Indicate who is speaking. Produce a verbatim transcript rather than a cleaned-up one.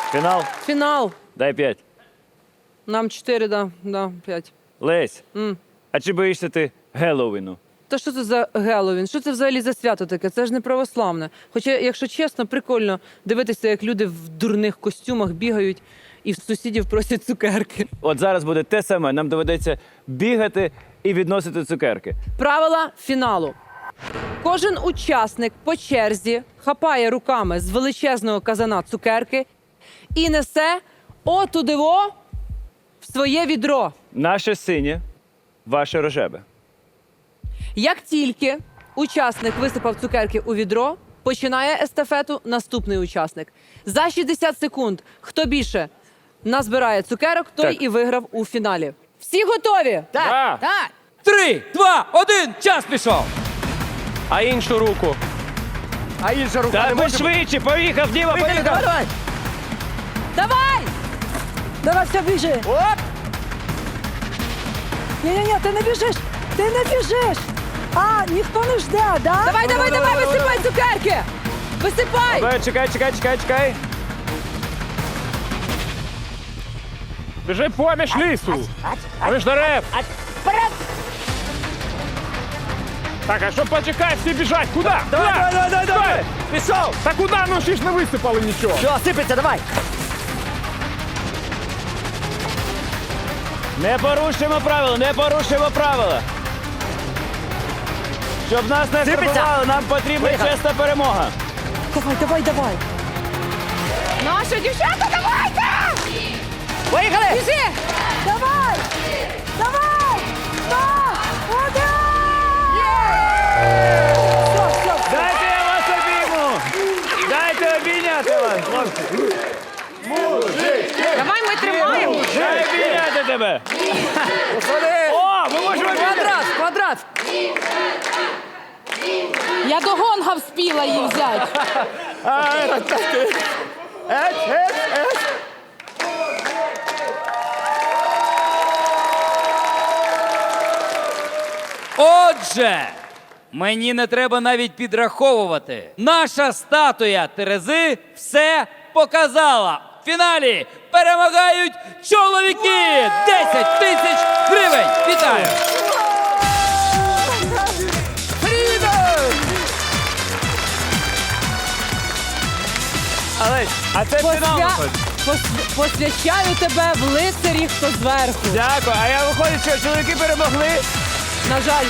Speaker 1: Фінал?
Speaker 2: Фінал.
Speaker 1: Дай п'ять.
Speaker 2: Нам чотири, да, да, п'ять.
Speaker 1: Лесь,
Speaker 2: М.
Speaker 1: а чи боїшся ти Геловіну?
Speaker 2: Та що це за Геловін? Що це взагалі за свято таке? Це ж не православне. Хоча, якщо чесно, прикольно дивитися, як люди в дурних костюмах бігають і в сусідів просять цукерки.
Speaker 1: От зараз буде те саме. Нам доведеться бігати і відносити цукерки.
Speaker 2: Правила фіналу. Кожен учасник по черзі хапає руками з величезного казана цукерки і несе отудиво в своє відро.
Speaker 1: Наше синє, ваше рожеве.
Speaker 2: Як тільки учасник висипав цукерки у відро, починає естафету наступний учасник. За шістдесят секунд, хто більше назбирає цукерок, той
Speaker 1: Так.
Speaker 2: і виграв у фіналі. Всі готові?
Speaker 1: Да.
Speaker 2: Так.
Speaker 3: Три, два, один, час пішов.
Speaker 4: А іншу руку.
Speaker 5: А інша рука
Speaker 1: Та
Speaker 5: не
Speaker 1: ви
Speaker 5: може...
Speaker 1: швидше, поїхав, Діма, поїхав!
Speaker 5: Давай!
Speaker 2: Давай!
Speaker 6: Давай, все, біжи.
Speaker 5: Оп!
Speaker 6: Ні-ні-ні, ти не біжиш. Ти не біжиш. А, ніхто не жде, да?
Speaker 2: Давай, давай, давай, висипай цукерки! Висипай!
Speaker 1: Давай, чекай, чекай, чекай, чекай.
Speaker 4: Біжи поміж лісу. Поміж дерев. Так, а що почекай, всі біжать. Куди?
Speaker 5: Давай, давай, давай, давай, давай! Пішов!
Speaker 4: Та куди? Ну ще ж не висипали нічого.
Speaker 5: Все, сипеться, давай!
Speaker 1: Не порушуємо правила, не порушуємо правила. Щоб нас не
Speaker 5: Сипеться.
Speaker 1: штрафували, нам потрібна
Speaker 5: Поїхали.
Speaker 1: чесна перемога.
Speaker 6: Давай, давай, давай.
Speaker 2: Наші дівчата, давайте!
Speaker 5: Поїхали!
Speaker 2: Біжи!
Speaker 6: Давай! Давай! Два! Один! Все, все, все.
Speaker 1: Дайте я вас обійму! Дайте обійняти вас, хлопці!
Speaker 2: Давай, ми тримаємо!
Speaker 1: Дай обійняти тебе!
Speaker 5: Посади!
Speaker 1: О, ми можемо обійняти!
Speaker 2: Квадрат, квадрат! Я до гонга вспіла її взяти.
Speaker 5: Ет, ет, ет!
Speaker 3: Отже, мені не треба навіть підраховувати. Наша статуя Терези все показала. В фіналі перемагають чоловіки! десять тисяч гривень! Вітаю!
Speaker 1: Але, а це фінал
Speaker 2: Посвя...
Speaker 1: виходить.
Speaker 2: пос- Посвящаю тебе в лицарі, хто зверху.
Speaker 1: Дякую. А я виходить, що чоловіки перемогли.
Speaker 2: На жаль.